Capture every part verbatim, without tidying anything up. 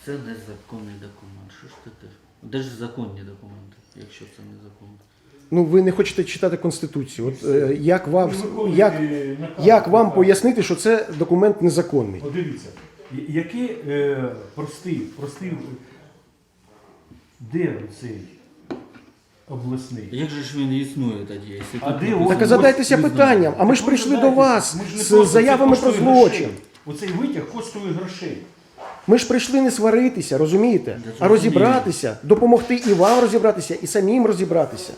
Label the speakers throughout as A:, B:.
A: Це незаконний документ. Що ж ти теж? Де ж законні документи, якщо це незаконно?
B: Ну, ви не хочете читати Конституцію. От, е, як, вам, як, як вам пояснити, що це документ незаконний?
C: От дивіться, який е, простий, простий, де цей обласний?
A: Як же ж він існує тоді? Якщо
C: А
A: тут
C: де
A: написано-
B: Так а задайтеся
A: Ви
B: питанням, а ми ж
C: Так ви
B: прийшли до
C: знаєте,
B: вас
C: ми ж не
B: з
C: просто-
B: заявами
C: це
B: про
C: коштує
B: злочин.
C: грошей. Оцей витяг коштує грошей.
B: Ми ж прийшли не сваритися, розумієте?
A: Я
B: А розібратися, допомогти і вам розібратися, і самим розібратися.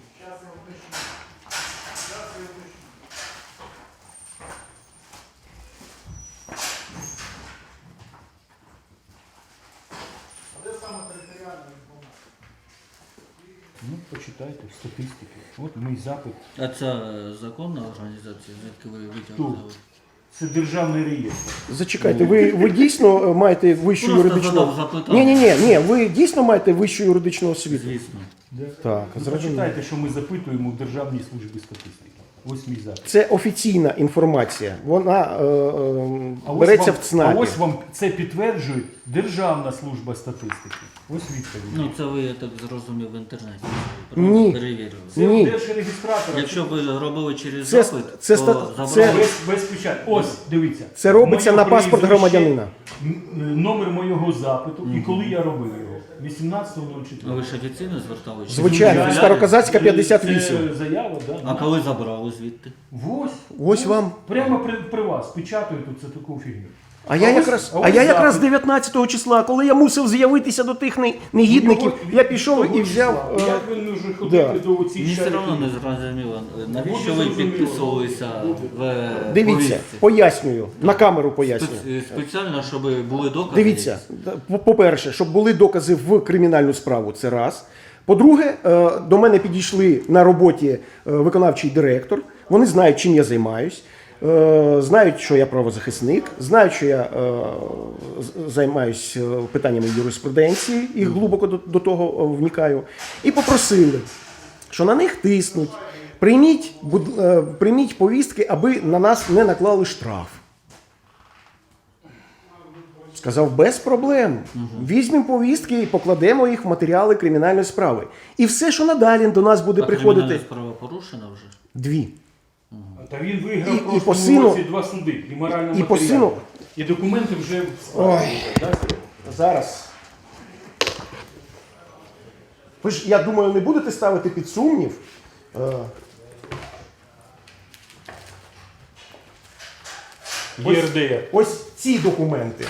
C: Ну, почитайте статистики. От мій запит.
A: А це законна організація, звідки ви
C: Тут.
A: витягнули?
C: Це державний реєстр.
B: Зачекайте, ви, ви дійсно е, маєте вищу
A: Просто
B: юридичну...
A: задав запитання.
B: Ні, ні, ні, ні, ви дійсно маєте вищу юридичну освіту?
A: Звісно.
B: Так,
C: Ну,
B: зрозуміло.
C: почитайте, що ми запитуємо в Державній службі статистики. Ось мій запит.
B: Це офіційна інформація. Вона е, е,
C: А ось
B: береться
C: вам-
B: в ЦНАПі.
C: А ось вам це підтверджує Державна служба статистики. Ось відповідь.
A: Ну це ви, я так зрозумів, в інтернеті.
B: Ні.
A: Перевірили.
C: Це
B: Ні.
C: у держреєстратора.
A: Якщо ви робили через
B: Це-
A: запит,
B: це
A: то
B: ста-
A: забрали.
B: це-
C: без, без печаті. Ось, дивіться.
B: Це робиться
C: Моє
B: на паспорт
C: прізвище,
B: громадянина.
C: м, Номер моєго запиту і коли я робив його. вісімнадцятого
A: А ви
C: чотирнадцятого.
A: ж офіційно зверталися?
B: Звичайно,
A: Чи
B: Староказацька п'ятдесят вісім.
C: Це заява, да?
A: А коли забрали звідти?
C: Ось.
B: Ось вам.
C: Прямо при, при вас. Печатаю тут це таку фігню.
B: А я
C: ось-
B: якраз,
C: а
B: а
C: ось
B: я якраз
C: запит.
B: дев'ятнадцятого числа, коли я мусив з'явитися до тих не- негідників,
C: Його-
B: я пішов
C: того
B: і взяв.
C: числа.
B: е,
C: Як він може ходити
B: да.
C: до оцих
A: Мені все
C: шариків?
A: одно не зрозуміло, навіщо
C: Буде
A: ви
C: зрозуміло.
A: підписувалися в
B: Дивіться,
A: повістці?
B: пояснюю, на камеру пояснюю.
A: Спе- Спеціально, щоб були докази?
B: Дивіться, по- по-перше, щоб були докази в кримінальну справу, це раз. По-друге, е, до мене підійшли на роботі е, виконавчий директор. Вони знають, чим я займаюсь, е, знають, що я правозахисник, знають, що я е, з- займаюсь е, питаннями юриспруденції і глибоко до, до того е, вникаю. І попросили, що на них тиснуть. Прийміть, буд- е, прийміть повістки, аби на нас не наклали штраф. Сказав, без проблем. Візьмемо повістки і покладемо їх в матеріали кримінальної справи. І все, що надалі до нас буде
A: А
B: приходити.
A: кримінальна справа порушена вже?
B: Дві.
C: Та він виграв
B: І-
C: в
B: і по
C: прошлому
B: сину-
C: році два суди. І морально
B: і по сину-
C: І документи вже в
B: Ой.
C: справі. Да?
B: Зараз. Ви ж, я думаю, не будете ставити під сумнів. е,
C: ЄРДР.
B: Ось ці документи.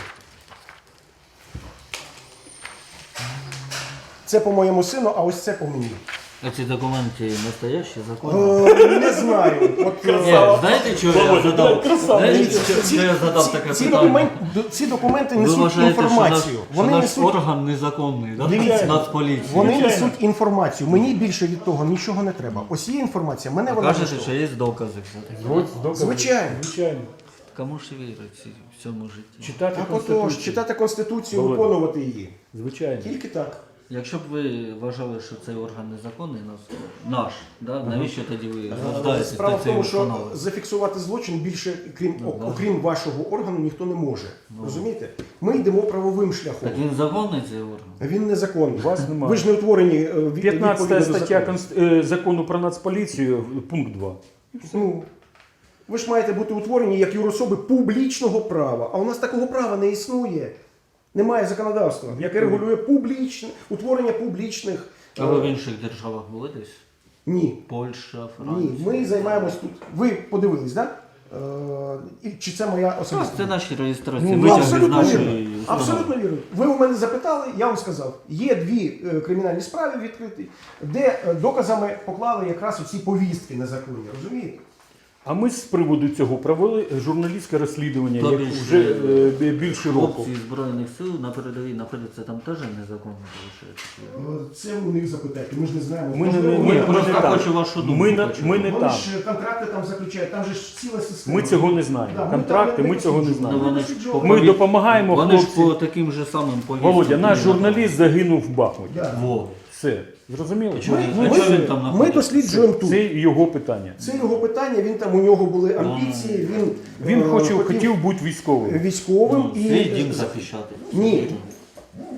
B: Це по моєму сину, а ось це по мені.
A: А ці документи настоящі, законні?
B: Е, не знаю. От, е,
A: Ні, знаєте, чого я задав? Знаєте,
B: ці,
A: чого я задав
B: ці-
A: таке
B: ці,
A: питання?
B: документ, д- ці документи
A: Ви
B: несуть
A: вважаєте, що наш,
B: інформацію.
A: що
B: Вони
A: наш
B: несуть,
A: орган незаконний, да?
B: Дивіться,
A: Нацполіції?
B: вони
C: Звичайно.
B: несуть інформацію. Мені більше від того нічого не треба. Ось є інформація, мене
A: А
B: вона
A: кажете,
B: влаштовує.
A: що є докази все-таки.
C: Ось докази.
B: Звичайно.
C: Звичайно.
A: Кому ж вірить в цьому житті?
C: Читати
B: Так
C: Конституцію.
B: отож, читати Конституцію,
C: Володя.
B: виконувати її.
C: Звичайно.
B: Тільки так.
A: Якщо б ви вважали, що цей орган незаконний, нас, наш, да? навіщо тоді ви звертаєтесь
B: Справа
A: до
B: в
A: цієї
B: тому, що
A: установи?
B: зафіксувати злочин більше, крім,
A: Ну, да.
B: окрім вашого органу, ніхто не може. Розумієте? Ми йдемо правовим шляхом.
A: Так він законний цей орган?
B: Він незаконний.
C: Вас немає.
B: Ви ж не утворені е, від-
C: п'ятнадцята
B: відповідно до
C: стаття
B: закону.
C: Конст- е, закону про нацполіцію, пункт два.
B: Ну, ви ж маєте бути утворені як юрособи публічного права. А у нас такого права не існує. Немає законодавства, яке регулює публічне, утворення публічних.
A: А ви в інших державах були десь?
B: Ні.
A: Польща,
B: Ні,
A: Франція?
B: ми займаємось тут. Ви подивились, так? Да? Е, і чи це моя
A: Так,
B: особиста?
A: це наші реєстрації,
B: Ну,
A: витяги з
B: абсолютно
A: нашої
B: вірно.
A: установи.
B: Абсолютно вірно. Ви у мене запитали, я вам сказав. Є дві е, кримінальні справи відкриті, де е, доказами поклали якраз оці повістки незаконні, розумієте?
C: А ми з приводу цього провели журналістське розслідування,
A: То
C: як
A: більше,
C: вже е, бі- більше року.
A: Хлопці Збройних сил на передовій знаходяться там теж незаконно виходить?
B: Е, Це у них запитайте, ми ж не знаємо.
C: Ми не,
B: Можливо,
C: ми,
B: вони-
C: ми
A: просто
C: не там.
A: хочу вашу думку
C: Ми, на-
A: почути.
C: ми не
B: Вони
C: там.
B: ж контракти там заключають, там же ж ціла система.
C: Ми цього не знаємо.
B: Да, ми
C: Контракти,
B: там
C: ми цього не
B: досліджуємо.
C: знаємо.
A: Ну, вони ж
B: досліджуємо.
A: по-
C: Ми
A: пові-
C: допомагаємо
A: Вони ж
C: хлопцям.
A: по таким же самим повісткам.
C: Володя, наш
A: не
C: журналіст загинув в Бахмуті.
B: Да.
A: Во.
C: Все. Зрозуміло?
A: Чому?
B: Ми,
A: Ну,
B: ми,
A: що він там
B: ми
A: знаходиться?
B: досліджуємо тут.
C: Це його питання.
B: Це його питання, він там, у нього були амбіції, він,
C: Він
B: е,
C: хотів, хотів бути військовим.
B: військовим.
A: Ну,
B: і,
A: свій дім захищати.
B: Ні.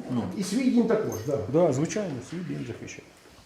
A: Ну,
B: І свій дім також, так. Да.
C: Да, звичайно, свій дім захищає.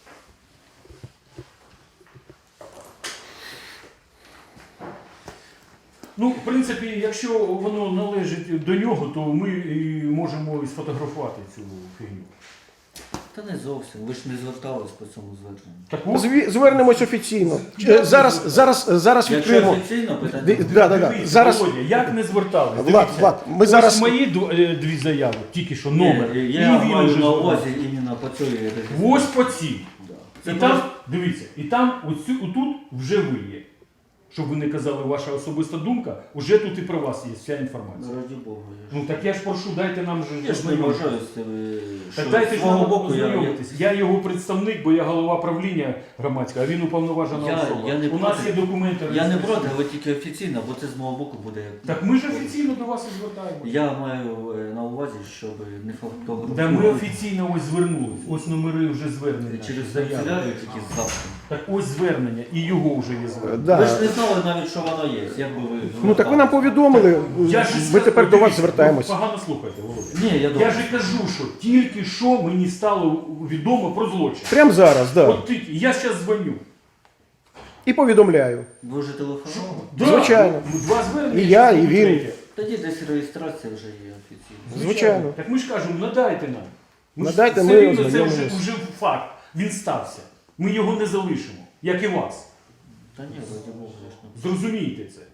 C: Ну, в принципі, якщо воно належить до нього, то ми і можемо і сфотографувати цю фігню.
A: та не зовсім. Ви ж не звертались по цьому зверненню.
C: Так от,
B: Зві- Звернемось офіційно.
C: Я
B: Е, Зараз,
C: не
B: зараз, зараз
A: Якщо
B: відкриємо.
A: офіційно питання,
B: Ди- да, да, да.
C: дивіться,
B: Зараз
C: Володя, як не звертались?
B: Влад,
C: Дивіться,
B: Влад, ми
C: ось
B: зараз-
C: мої ду- е, дві заяви, тільки що номер.
A: Ні,
C: І
A: я
C: він
A: маю
C: уже
A: на
C: звернувся.
A: увазі іменно по цій реєстрації.
C: Ось по цій.
A: Да.
C: І
A: Це
C: там,
A: просто-
C: дивіться, і там оцю, отут вже ви є. Щоб ви не казали ваша особиста думка, уже тут і про вас є вся інформація.
A: Раді Бога. Я ж,
C: Ну так я ж прошу, дайте нам же
A: я ж не
C: ознайомитися.
A: вважаю з цими,
C: Так
A: що
C: дайте
A: з
C: ж
A: свого
C: нам
A: боку я, я,
C: ознайомитись. Я його представник, бо я голова правління громадського, а він уповноважена
A: Я-
C: особа.
A: я не
C: У нас
A: проти.
C: є документи.
A: я не
C: реєстраційні.
A: проти, але тільки офіційно, бо це з мого боку буде як.
C: Так ми ж офіційно до вас і звертаємося.
A: Я маю е, на увазі, щоб не фактографувати.
C: Да ми офіційно ось звернулись. Ось номери вже звернення.
A: Через
C: заяви.
A: канцелярію тільки завтра.
C: Так ось звернення, і його вже є
B: е,
C: звернення.
B: да.
A: Ви ж не знали навіть, що воно є, як би ви.
B: Ну так ви нам повідомили.
C: Я ж
B: Ми
C: сказав,
B: тепер до вас
C: дивіться,
B: звертаємось.
C: ви Погано слухайте, Володя.
A: Ні, я
C: Я
A: думаю.
C: ж і кажу, що тільки що мені стало відомо про злочин.
B: Прямо зараз, да.
C: От тільки, я зараз дзвоню.
B: І повідомляю.
A: Ви вже телефонували?
C: Да,
B: Звичайно.
C: ну, Два звернення.
B: І я,
C: ще
B: і він.
C: третє.
A: Тоді десь реєстрація вже є офіційно.
B: Звичайно.
C: Так ми ж кажемо, надайте нам. Ми ж
B: Надайте,
C: все
B: ми
C: рівно це вже,
B: ознайомимось.
C: вже факт. Він стався. Ми його не залишимо, як і вас.
A: Та ні, раді Бога, я ж не.
C: Зрозумійте це.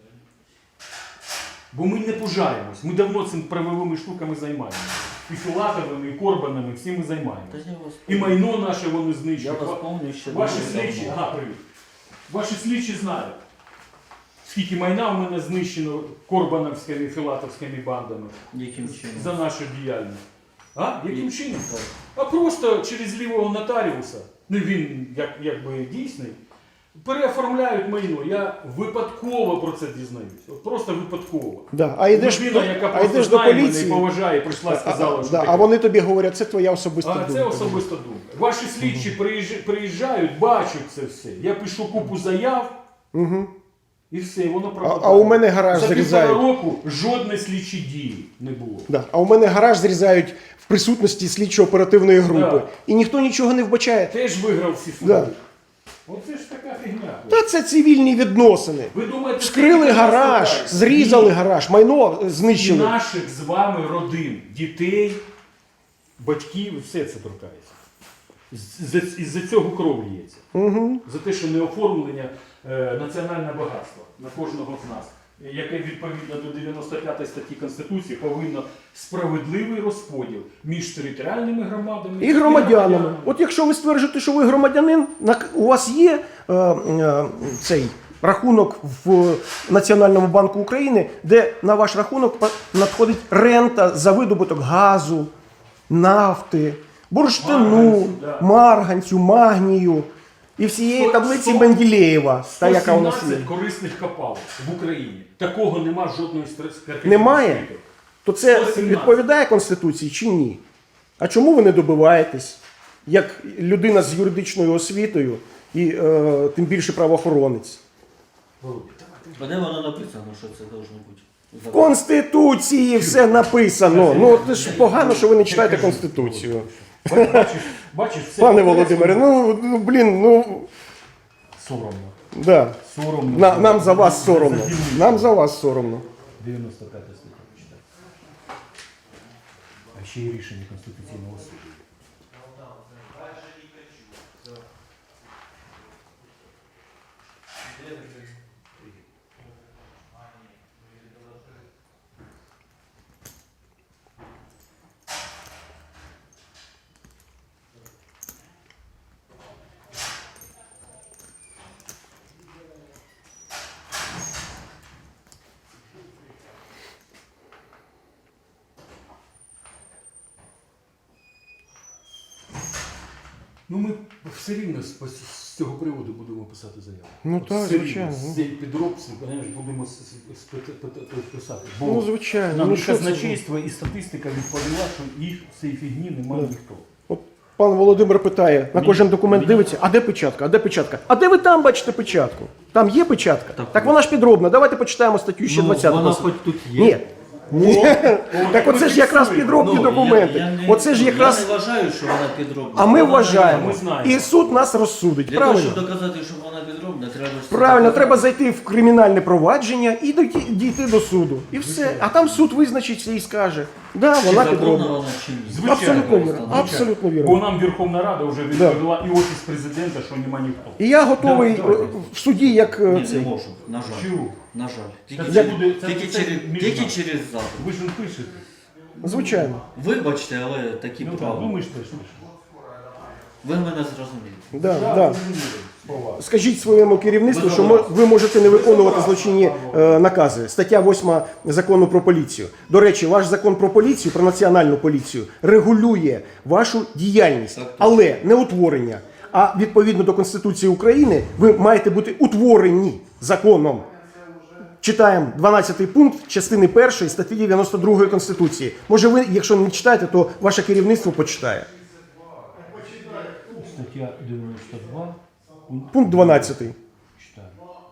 C: Бо ми не пужаємось. Ми давно цим правовими штуками займаємося. І Філатовими, і Корбанами, всі ми
A: Та
C: займаємося.
A: я вас
C: І майно наше вони
A: Я
C: знищують.
A: вас пам'ятаю ще
C: Ваші
A: дуже
C: слідчі,
A: давно.
C: ага, привіт. Ваші слідчі знають, скільки майна в мене знищено корбановськими, філатовськими бандами
A: Яким чином?
C: за нашу діяльність. А? Яким
A: І-
C: чином?
A: Так.
C: А просто через лівого нотаріуса, ну він як, якби дійсний, переоформляють майно. Я випадково про це дізнаюсь. От просто випадково.
B: Да. А йдеш,
C: Людина, яка
B: а
C: просто
B: йдеш до
C: знає мене і
B: поліції,
C: поважає, прийшла і
B: а,
C: сказала, що
B: да,
C: таке.
B: а вони тобі говорять, це твоя особиста
C: А
B: думка.
C: це особиста думка. Ваші слідчі приїжджають, приїжджають, бачать це все. Я пишу купу заяв
B: Угу.
C: і все, і воно
B: А,
C: пропадає.
B: а у мене гараж
C: За півтора
B: зрізають.
C: року жодної слідчі дії не було.
B: Да. А у мене гараж зрізають в присутності слідчо-оперативної групи.
C: Да.
B: І ніхто нічого не вбачає.
C: Теж виграв всі суди.
B: Да.
C: Оце ж така фігня.
B: Та це цивільні відносини.
C: Ви думаєте,
B: Вскрили
C: скільки нас
B: гараж,
C: питають?
B: зрізали
C: Ні.
B: гараж, майно
C: І
B: знищили.
C: наших з вами родин, дітей, батьків, все це торкається. З- з- Із-за цього кров лється.
B: Угу.
C: За те, що не оформлення е, національне багатство на кожного з нас, яке відповідно до дев'яносто п'ятої статті Конституції повинно справедливий розподіл між територіальними громадами
B: І громадянами. От якщо ви стверджуєте, що ви громадянин, на- у вас є е, е, цей рахунок в Національному банку України, де на ваш рахунок па- надходить рента за видобуток газу, нафти, бурштину,
C: Марганцю, да.
B: марганцю, магнію і всієї
C: Сто-
B: таблиці
C: сто-
B: Менделєєва, та яка у нас є.
C: сто сімнадцять корисних копалок в Україні. Такого нема жодної стратегії.
B: Немає? То це
C: сто сімнадцять.
B: відповідає Конституції чи ні? А чому ви не добиваєтесь, як людина з юридичною освітою і е, тим більше правоохоронець?
A: А де воно написано, що це должно бути?
B: В Конституції все написано. Ну це ж погано, що ви не читаєте Конституцію.
C: Бачиш, бачиш, все
B: Пане
C: по-корейськи.
B: Володимире, ну, ну блін, ну
C: Соромно.
B: да.
C: Соромно.
B: На, нам за вас соромно.
C: Заділили.
B: Нам за вас соромно.
C: дев'яносто п'ята стаття почитай. А ще й рішення Конституційного суду. Ну ми все рівно з, з цього приводу будемо писати заяву.
B: Ну
C: От
B: так,
C: все рівно
B: звичайно.
C: З цієї підробці знаєш, будемо с- с- с- пи- пи- пи- писати. Бо
B: Ну, звичайно.
C: нам
B: Ну,
C: і
B: що це
C: казначейство і статистика відповіла, що їх в цій фігні немає
B: Да.
C: ніхто.
B: От пан Володимир питає, на
C: Мені-
B: кожен документ
C: мені-
B: дивиться, а де печатка, а де печатка? А де ви там бачите печатку? Там є печатка?
A: Так,
B: Так вона ж підробна. Давайте почитаємо статтю ще
A: Ну,
B: двадцяту.
A: вона хоч тут є.
B: Ні. Ні. Так оце ж якраз підробні
A: Ну,
B: документи.
A: я- я не-
B: Оце ж якраз.
A: Я не вважаю, що вона підробна.
B: А ми
A: Вона
B: вважаємо.
C: Ми знаємо.
B: І суд нас розсудить.
A: Для того,
B: Правильно?
A: щоб доказати, що вона підробна, треба ж це
B: Правильно,
A: доказати.
B: треба зайти в кримінальне провадження і дойти- дійти до суду. І все. А там суд визначиться і скаже, да,
A: Чи
B: вона
A: законна
B: підробна.
A: вона чи ні.
C: Звичайно.
B: Абсолютно вірно.
A: Звичайно.
B: Абсолютно
C: Бо
B: вірно.
C: нам Верховна Рада вже відповіла і Офіс Президента, що нема ніхто.
B: І я готовий
C: Да, давайте.
B: е, в суді, як е,
A: Ні, не
B: цей.
A: можу, на жаль.
C: Чого?
A: На жаль. Тільки,
C: це
A: через,
C: буде- це-
A: тільки,
C: це
A: через,
C: між
A: тільки
C: нами.
A: через запит.
C: Ви ж не пишете.
B: Звичайно.
A: Вибачте, але такі
C: Ну так,
A: правила.
C: ну ми ж теж пишемо.
A: Ви мене зрозуміли.
B: Да,
C: Так,
B: да.
C: зрозуміло, слова.
B: Скажіть своєму керівництву, що мо- ви можете не виконувати злочинні е, накази. Стаття восьма закону про поліцію. До речі, ваш закон про поліцію, про національну поліцію, регулює вашу діяльність,
A: Так, так.
B: але не утворення. А відповідно до Конституції України ви маєте бути утворені законом. Читаємо дванадцятий пункт частини першої статті дев'яносто другої Конституції. Може ви, якщо не читаєте, то ваше керівництво почитає.
C: Стаття дев'яносто два. пункт
B: Пункт дванадцятий.
C: читаю.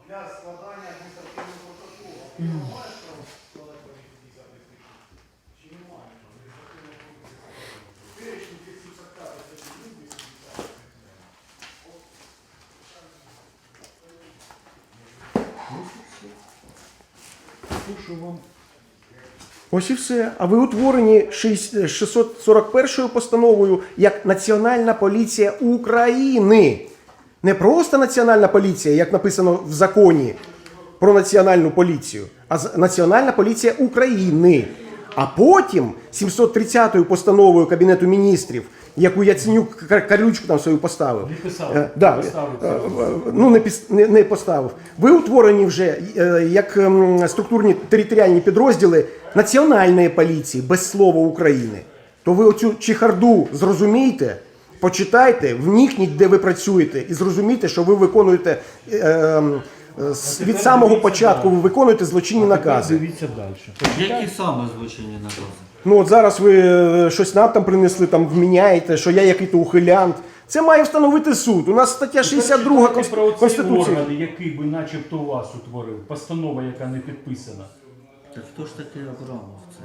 C: Слушаю вам.
B: Ось і все. А ви утворені шість- шістсот сорок першою постановою як Національна поліція України. Не просто Національна поліція, як написано в законі про Національну поліцію, а з- Національна поліція України. А потім сімсот тридцятою постановою Кабінету міністрів, яку Яценюк Кар- Карючку там свою поставив.
C: Не писав.
B: Е, да,
C: Поставив
B: е,
C: це.
B: е, ну не, піс- не, не поставив. Ви утворені вже е, як ем, структурні територіальні підрозділи Національної поліції без слова України. То ви оцю чехарду зрозумійте, почитайте, вникніть, де ви працюєте, і зрозумійте, що ви виконуєте е, е, з- від
C: тепер
B: самого
C: дивіться
B: початку,
C: далі.
B: ви виконуєте злочинні
C: Тепер
B: накази.
C: Дивіться далі.
A: Які саме злочинні накази?
B: Ну от зараз ви е, щось нам там принесли, там вміняєте, що я який-то ухилянт. Це має встановити суд. У нас стаття шістдесят друга
C: Тепер читайте про ці
B: Конституції.
C: органи, який би начебто вас утворив. Постанова, яка не підписана.
A: Так хто ж такий Абрамов це?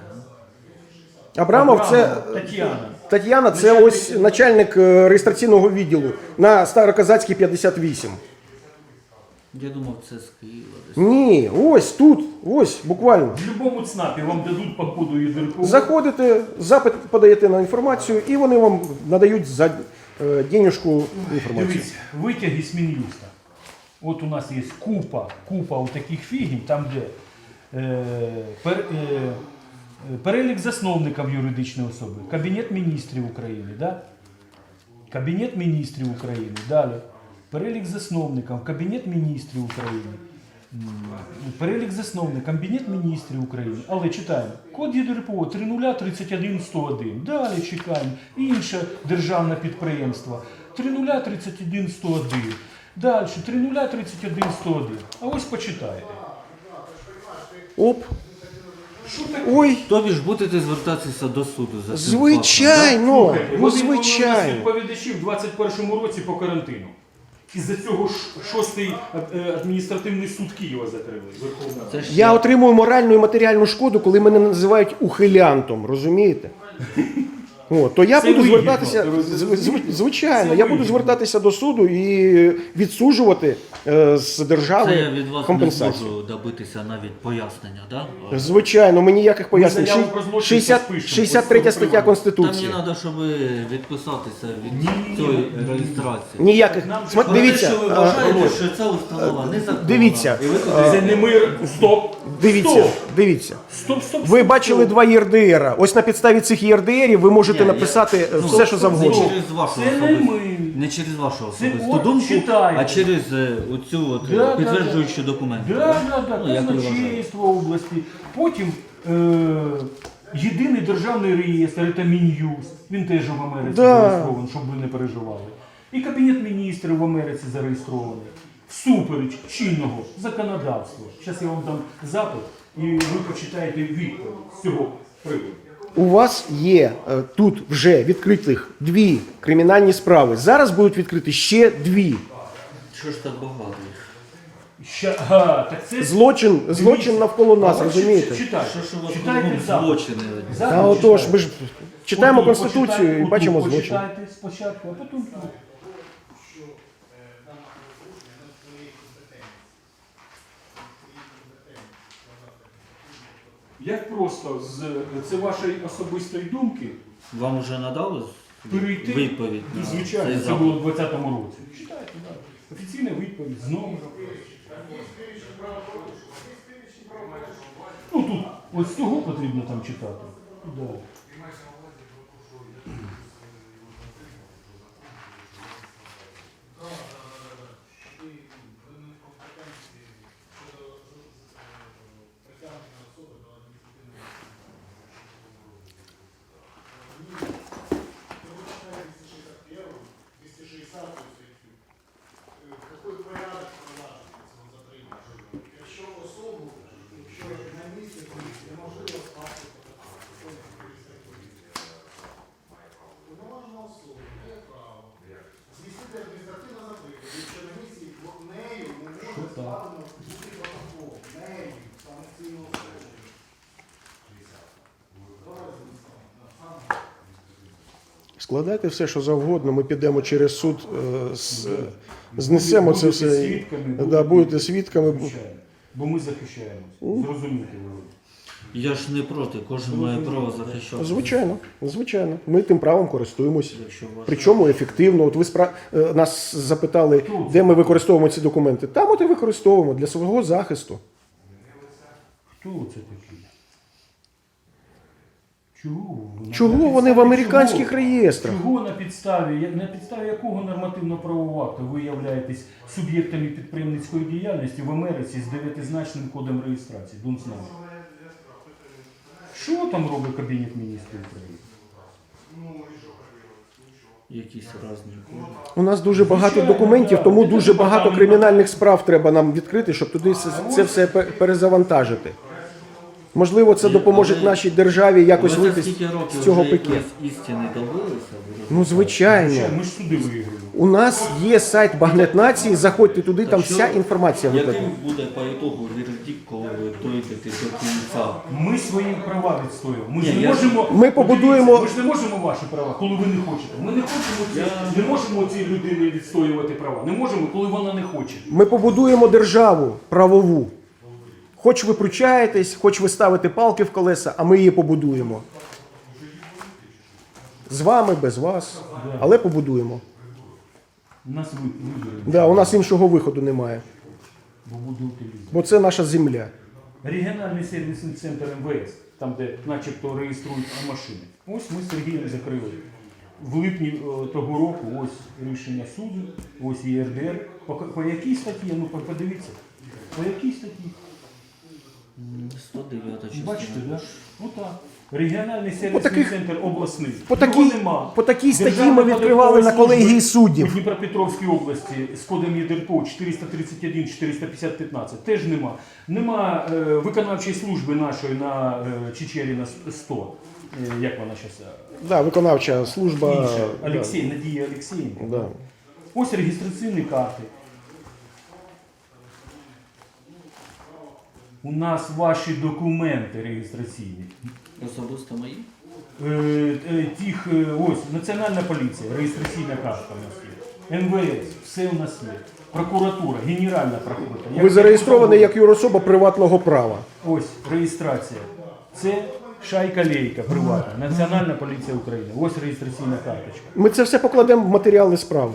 A: а?
B: Абрамов це
C: Абрамов, Тетяна.
B: Тетяна, це ось начальник е, реєстраційного відділу на Староказацькій п'ятдесят вісім.
A: Я думав, це з Києва десь.
B: Ні, ось тут, ось буквально.
C: В будь-якому ЦНАПі вам дадуть по коду ЄДРПО.
B: Заходите, запит подаєте на інформацію, і вони вам надають за е, денежку інформацію.
C: Дивіться, витяги з Мін'юста. От у нас є купа, купа от таких фігень, там де е, пер, е, е, перелік засновників юридичної особи, Кабінет міністрів України, да? Кабінет міністрів України, далі. Перелік засновників, Кабінет міністрів України. М, Перелік засновників, Кабінет міністрів України. Але читаємо. Код ЄДРПО три нуль тридцять один сто один. Далі чекаємо. Інше державне підприємство. три нуль тридцять один сто один. Далі три нуль тридцять один сто один. А ось почитайте.
B: Оп.
C: Що таке?
B: Ой,
A: Тобі ж будете звертатися до суду за цим
B: звичайно,
C: Слухайте,
B: ну
C: вони були у нас
B: звичайно.
C: відповідачі в двадцять першому році по карантину. Із-за цього ж шостий е, адміністративний суд Києва закрили. Верховна Рада.
A: Це ж
B: Я отримую моральну і матеріальну шкоду, коли мене називають ухилянтом, розумієте? О, то я
C: Це
B: буду
C: вигідно,
B: звертатися,
C: ви розумієте?
B: зв- звичайно,
C: Це
B: я буду
C: вигідно.
B: звертатися до суду і відсуджувати е, з
A: Це
B: держави
A: я від вас не
B: компенсацію.
A: зможу добитися навіть пояснення, да?
B: Звичайно, ми ніяких пояснень.
C: заяву
B: Ши-
C: про злочин
B: шістдесят
C: поспишемо,
B: шістдесят третя
C: ось
B: стаття
C: цього
A: Там
B: Конституції.
A: мені треба, щоб відписатися від
C: Ні-ні-ні.
A: цієї реєстрації.
B: Ніяких.
C: Нам
B: Сма-
C: же-
B: Дивіться,
A: Те, що ви
B: е,
A: вважаєте, що ця установа незаконна.
B: дивіться,
A: І ви туди
C: Це не ми. Стоп!
B: дивіться,
C: Стоп!
B: дивіться.
C: Стоп, стоп,
B: Ви
C: стоп,
B: бачили
C: стоп.
B: два ЄРДРа. Ось на підставі цих ЄРДРів ви можете
A: Ні, я-
B: написати е,
A: ну,
B: все, що
A: Не
B: завгодно.
A: через вашу
C: Це не
A: особисту,
C: ми.
A: не через вашу
C: Це
A: особисту
C: от
A: думку,
C: читайте.
A: а через е, оцю от,
C: Да, да,
A: підтверджуючу документи.
C: Да, да, да,
A: Ну, як ви вважаєте?
C: казначейство області. Потім е, єдиний державний реєстр, це Мін'юст. Він теж в Америці
B: Да.
C: зареєстрований, щоб ви не переживали. І Кабінет міністрів в Америці зареєстрований. Всупереч чинного законодавства. Зараз я вам дам запит, і ви почитаєте відповідь з цього приводу.
B: У вас є е, тут вже відкритих дві кримінальні справи. Зараз будуть відкриті ще дві.
A: Що ж так багато їх?
C: Ща, ага, так це...
B: Злочин, злочин
C: Дивіться.
B: навколо нас,
C: А от
B: розумієте?
C: Читайте,
A: Що ж у вас
C: читайте
A: кругом
C: запит.
A: злочини?
C: Запит
B: Та отож,
C: читайте.
B: ми ж читаємо
C: Отут
B: Конституцію
C: почитайте,
B: і
C: отут
B: бачимо злочин.
C: Почитайте спочатку, а потім тут. Як просто з це вашої особистої думки
A: Вам вже надали
C: перейти,
A: відповідь на
C: звичайно,
A: цей
C: це
A: запит?
C: було в двадцятому році. Читайте, так. Офіційна відповідь з номером. Ну тут ось цього потрібно там читати. Да.
D: Какой порядок провадження цього затримання? Якщо особу, якщо на місці неможливо скласти протокол, повноважена особа має право здійснити адміністративне затримання, якщо на місці нею не може складено будь-який протокол, нею, самостійно особою.
B: Складайте все, що завгодно, ми підемо через суд, е, з- знесемо це
C: Будете
B: все.
C: свідками,
B: Да,
C: будете-
B: будете свідками.
C: Звичайно. Бо ми захищаємося. Зрозуміти ви.
A: Я ж не проти, кожен має право захищати.
B: Звичайно, звичайно. Ми тим правом користуємося.
A: Якщо вважаєте.
B: Причому ефективно. От ви спра... е, нас запитали, де ми використовуємо ці документи. Там от і використовуємо для свого захисту.
C: Хто це такі? Чого? ви?
B: Чого
C: На
B: вони в
C: підставі
B: американських
C: чого?
B: реєстрах?
C: Чого на підставі, на підставі якого нормативно-правового акту ви являєтесь суб'єктами підприємницької діяльності в Америці з дев'ятизначним кодом реєстрації? Дун знає. Що там робить Кабінет міністрів України?
A: Якісь різні коди.
B: У нас дуже багато
C: Звичайно,
B: документів,
C: да.
B: тому
C: Це
B: дуже багато
C: департамент.
B: кримінальних справ треба нам відкрити, щоб туди це, це все пе- перезавантажити. Можливо, це
A: Ні,
B: допоможе
A: але-
B: нашій державі якось
A: Ви за
B: вийти
A: скільки років
B: з цього
A: вже
B: пике.
A: якоїсь істини добилися?
B: Ну, звичайно.
C: Звичайно, ми ж суди виграємо.
B: У нас є сайт Багнет Нації, заходьте туди, там
A: що-
B: вся інформація
A: Яким
B: викладена.
A: буде по ітогу вердикт, коли ви дойдете до кінця?
C: Ми свої права відстоюємо. Ми ж
A: Ні,
C: не
A: я-
C: можемо.
B: Ми побудуємо-
C: Ми ж не можемо ваші права, коли ви не хочете. Ми не хочемо ці,
A: Я-
C: не можемо цій людині відстоювати права. Не можемо, коли вона не хоче.
B: Ми побудуємо державу правову. Хоч ви пручаєтесь, хоч ви ставите палки в колеса, а ми її побудуємо. З вами, без вас, але побудуємо.
C: Нас ви- виберуть,
B: Да, у нас іншого виходу немає,
C: бо буде утилізм.
B: бо це наша земля.
C: Регіональний сервісний центр ем ве ес, там де начебто реєструють машини. Ось ми з Сергієм закрили. В липні е, того року ось рішення суду, ось є ер де ер. По, по якій статті? Ну по- подивіться. По якій статті?
A: сто дев'ята частина.
C: Бачите, да? Отак. Регіональний сервісний
B: таких-
C: центр обласний.
B: По
C: Його
B: такій,
C: нема.
B: по такій статті
C: Державної
B: ми відкривали на
C: податкової
B: колегії
C: служби
B: суддів.
C: у Дніпропетровській області з кодом ЄДРПО чотириста тридцять один чотириста п'ятдесят п'ятнадцять. Теж нема. Нема е, виконавчої служби нашої на е, Чечеріна сто. Е, як вона зараз?
B: Да, виконавча служба.
C: Інша.
B: да,
C: Олексій, Надія Олексієнко.
B: да.
C: Ось реєстраційні карти. У нас ваші документи реєстраційні.
A: Особисто мої?
C: Е, е, тих, е, ось, Національна поліція, реєстраційна карта у нас є. ем ве ес, все у нас є. Прокуратура, Генеральна прокуратура.
B: Ви зареєстровані як юрособа приватного права.
C: Ось реєстрація. Це шайка лейка приватна. Національна поліція України. Ось реєстраційна карточка.
B: Ми це все покладемо в матеріали справи.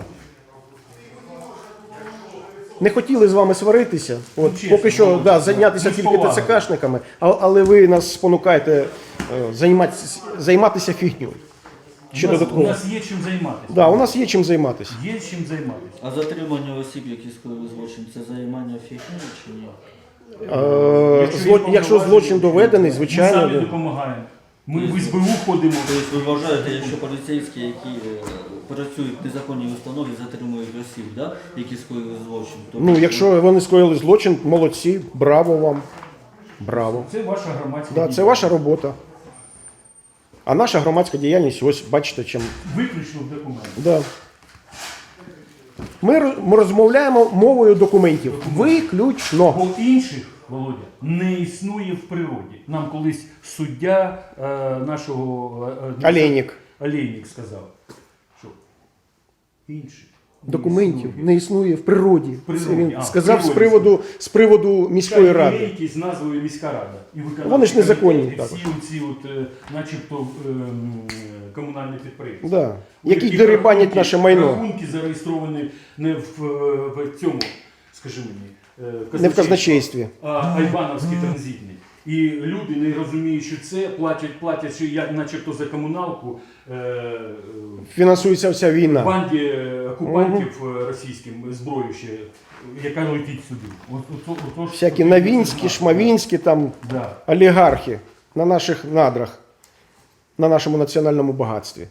B: Не хотіли з вами сваритися. От,
C: Ну, чесно,
B: поки що
C: ну,
B: да, зайнятися
C: ну, з
B: тільки
C: повагою.
B: ТЦКшниками, а- але ви нас спонукаєте е, займатися, займатися фігню. Ще
C: у, нас, у
B: додатково.
C: нас є чим займатися.
B: Да, у нас є чим займатися.
C: Є чим займатися.
A: А затримання осіб, які скоїли злочин, це займання фігні чи ні?
B: Е, зло-
C: є
B: Якщо злочин доведений,
C: Ми
B: звичайно.
C: самі
B: да.
C: допомагаємо. Ми в ес бе у ходимо.
A: Тобто ви вважаєте, якщо поліцейські, які е, працюють в незаконній установі, затримують осіб, да? які скоїли злочин, то
B: Ну, якщо вони скоїли злочин, молодці, браво вам. Браво.
C: Це ваша громадська
B: Да, це
C: діяльність.
B: ваша робота. А наша громадська діяльність, ось бачите, чим.
C: Виключно в документах.
B: Да. Ми, роз- ми розмовляємо мовою документів. Виключно.
C: Бо інших, Володя, не існує в природі. Нам колись суддя е, нашого е,
B: Олейник.
C: Олейник сказав, що інших не
B: Документів
C: існує.
B: не існує в природі.
C: природі,
B: Це він
C: а, в
B: сказав з
C: природі.
B: приводу, з приводу міської
C: Така
B: ради.
C: єлейки з назвою міська рада. І виконавчі
B: Вони ж незаконні
C: комітети,
B: також.
C: Всі оці от, е, начебто ем, комунальні підприємства.
B: Да.
C: У
B: Які
C: яких
B: дерибанять
C: рахунки-
B: наше майно.
C: Рахунки зареєстровані не в, е, в цьому, скажи мені, е,
B: Не в казначействі.
C: а айбановський транзитний. І люди, не розуміючи це, платять, платять ще як начебто за комуналку е,
B: Фінансується вся війна.
C: банді е, окупантів е, російським зброю ще, яка летить сюди. От, от, от, от,
B: Всякі
C: от,
B: Новінські, Шмавінські, там
C: Да.
B: олігархи на наших надрах, на нашому національному багатстві.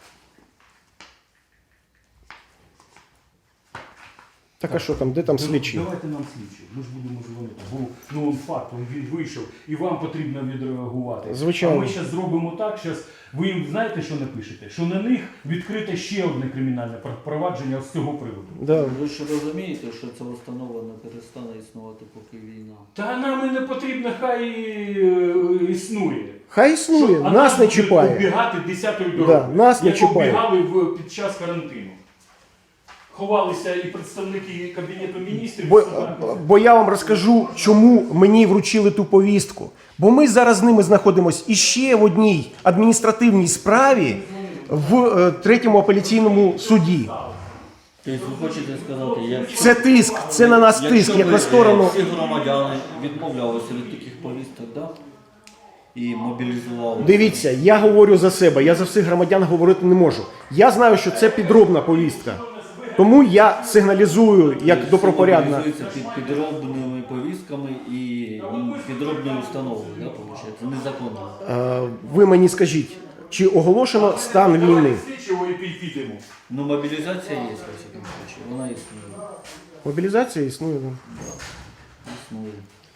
B: Так а що там, де там слідчі?
C: Давайте нам слідчі, ми ж будемо дзвонити. Бо ну, он факт, він вийшов, і вам потрібно відреагувати.
B: Звичайно.
C: А ми зараз зробимо так, щас, ви їм знаєте, що напишете? Що на них відкрите ще одне кримінальне провадження з цього приводу.
B: Да.
A: Ви ж розумієте, що ця установа не перестане існувати, поки війна.
C: Та нам і не потрібно, хай е, існує.
B: Хай існує,
C: Що, а
B: нас не
C: будуть
B: чіпає.
C: оббігати десятою
B: Да,
C: дорогою,
B: нас не
C: як
B: чіпає.
C: оббігали в, під час карантину. Ховалися і представники Кабінету міністрів.
B: Бо,
C: суда.
B: бо я вам розкажу, чому мені вручили ту повістку. Бо ми зараз з ними знаходимося іще в одній адміністративній справі в е, третьому апеляційному суді.
A: Тобто ви хочете сказати, якщо,
B: Це тиск, це на нас тиск,
A: якщо
B: як
A: ви,
B: на сторону.
A: е, всі громадяни відмовлялися від таких повісток, да? І мобілізували.
B: Дивіться, я говорю за себе, я за всіх громадян говорити не можу. Я знаю, що це підробна повістка. Тому я сигналізую як добропорядна.
A: Мобілізуються під підробними повістками і м, підробною установою, да, виходить, незаконно.
B: Е, Ви мені скажіть, чи оголошено стан війни?
C: Давайте слідчого і пі- підемо.
A: Ну, мобілізація є, в всякому случае, вона існує.
B: Мобілізація існує. да.
A: Існує.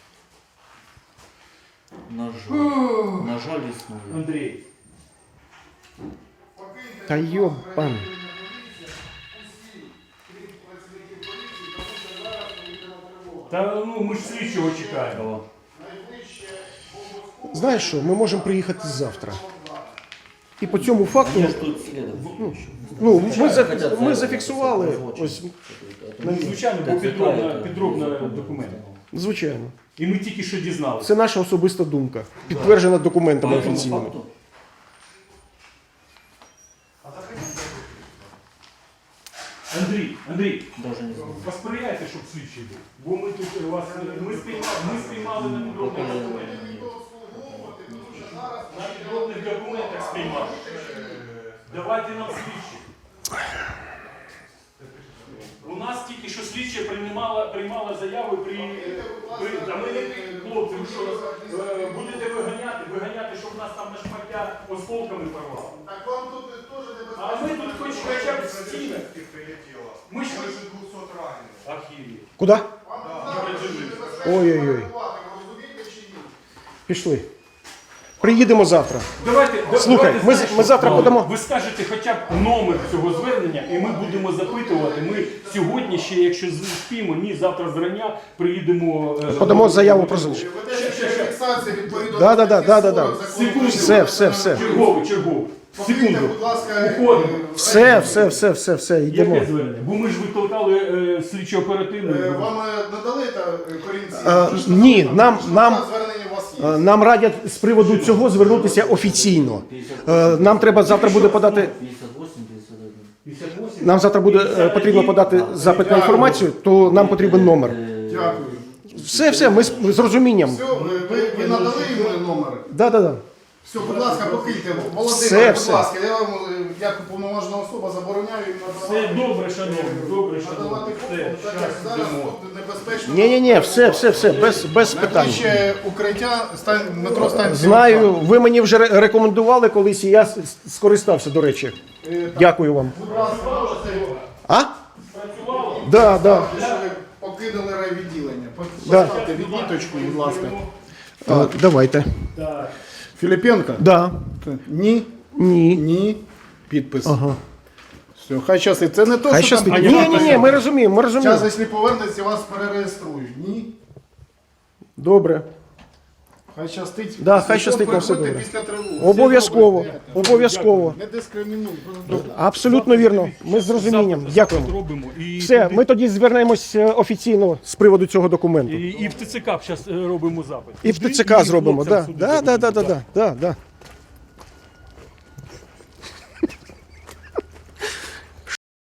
A: На жаль, на жаль, існує.
C: Андрій,
B: Та йобан.
C: та ну ми ж слідчого чекаємо.
A: О,
B: Знаєш що, ми можемо приїхати завтра. І по цьому факту,
A: я ж тут слідом.
B: ну, ми, за, ми зафіксували, ось,
C: Ну, звичайно, бо підробна, підробна документ.
B: звичайно.
C: І ми тільки що дізналися.
B: Це наша особиста думка, підтверджена документами
A: По цьому
B: офіційними.
A: факту?
C: Андрій, Андрій,
A: Даже не знаю.
C: посприяйте, щоб слідчий був. Бо ми тут вас ми спіймали, ми спіймали на підробних документах. На підробних документах спіймали. Давайте нам слідчі. У нас тільки що слідча приймала, приймала заяви при, при та ми не хлопці, ви що е, будете виганяти, виганяти, щоб нас там на шмаття осколками порвало.
D: Так вам тут теж не
C: А ми тут хоч хоча б в стінах. Ми ж
D: двухсот раненых.
C: архіві.
B: Куди?
D: Вам тут зараз
B: Ой-ой-ой.
D: розумієте чи ні?
B: Пішли. Приїдемо завтра.
C: Давайте, да-
B: Слухай,
C: давайте,
B: ми-
C: знаєш,
B: ми завтра
C: що?
B: подамо-
C: Ви скажете хоча б номер цього звернення, і ми будемо запитувати. Ми сьогодні ще, якщо спіємо, ні, завтра зрання приїдемо. е,
B: Подамо заяву про залишення.
D: Ведеться фіксація відповідно
B: Да, да,
D: до
B: да, да, да, да.
D: закону
C: Секунду.
B: Все, все, все.
C: Черговий, черговий.
D: Покиньте,
C: Секунду.
D: будь ласка,
C: Уходимо.
D: е,
B: Все, все, все, все, все, йдемо.
C: Яке звернення? Бо ми ж викликали е, слідчо оперативну.
D: е, Вам е, надали та е, корінці?
B: А,
D: Чи ж
B: ні,
D: там
B: нам-
D: що
B: нам-
D: звернення у вас є?
B: Е, Нам радять з приводу цього звернутися офіційно. Е, Нам треба завтра буде подати.
A: п'ятдесят вісім п'ятдесят один.
C: п'ятдесят вісім.
B: Нам завтра буде е, потрібно подати запит на інформацію, то нам потрібен номер.
A: Е,
D: Дякую.
B: Все, все, ми з, з розумінням.
D: Все, ви, ви, ви надали йому номер?
B: Да, да, да.
D: Все, будь ласка, покиньте. Володимир,
B: Все,
D: будь
B: все.
D: ласка, я вам, е, як уповноважена особа, забороняю їм
C: Все
D: надавати.
C: добре, шановні, добре, шановні.
D: Надавати
C: Все,
D: фото, так як
C: щас
D: зараз
C: йдемо.
D: тут небезпечно.
B: Ні, ні, ні, все, все, все, без, без питань.
D: Найближче укриття, стань, метро станція.
B: Знаю, ви мені вже ре- рекомендували колись, і я с- скористався, до речі. Дякую вам.
D: Будь ласка, можете,
B: А? Да, да.
D: що ви покинули райвідділення.
B: Да.
D: Поставте відміточку, будь ласка.
B: Е, Давайте.
C: Так.
D: Філіпенко?
B: Да.
D: Ні,
B: Ні.
D: ні. Підпис.
B: Ага.
D: Все, хай щастить. Це не то,
B: Хай
D: що
B: щастить.
D: там...
B: Ні, ні, ні, ми розуміємо, ми розуміємо.
D: Зараз, якщо повернеться, вас перереєструють. Ні.
B: Добре.
D: Хай щастить.
B: Да,
D: Після
B: хай щастить
D: того
B: на все
D: приходьте
B: добре.
D: після тривоги.
B: Обов'язково,
D: Все добре.
B: обов'язково.
D: Не дискримінуй. просто да.
B: Абсолютно вірно. Ми з розумінням.
C: Запит-
B: Дякуємо.
C: запит робимо. І
B: Все,
C: туди-
B: ми тоді звернемось е, офіційно з приводу цього документу.
C: І, і в ТЦК зараз робимо запит.
B: І в
C: Туди,
B: ТЦК зробимо.
C: хлопцям
B: Да,
C: сюди
B: да, да, да,
C: зробимо,
B: да, да, да, да.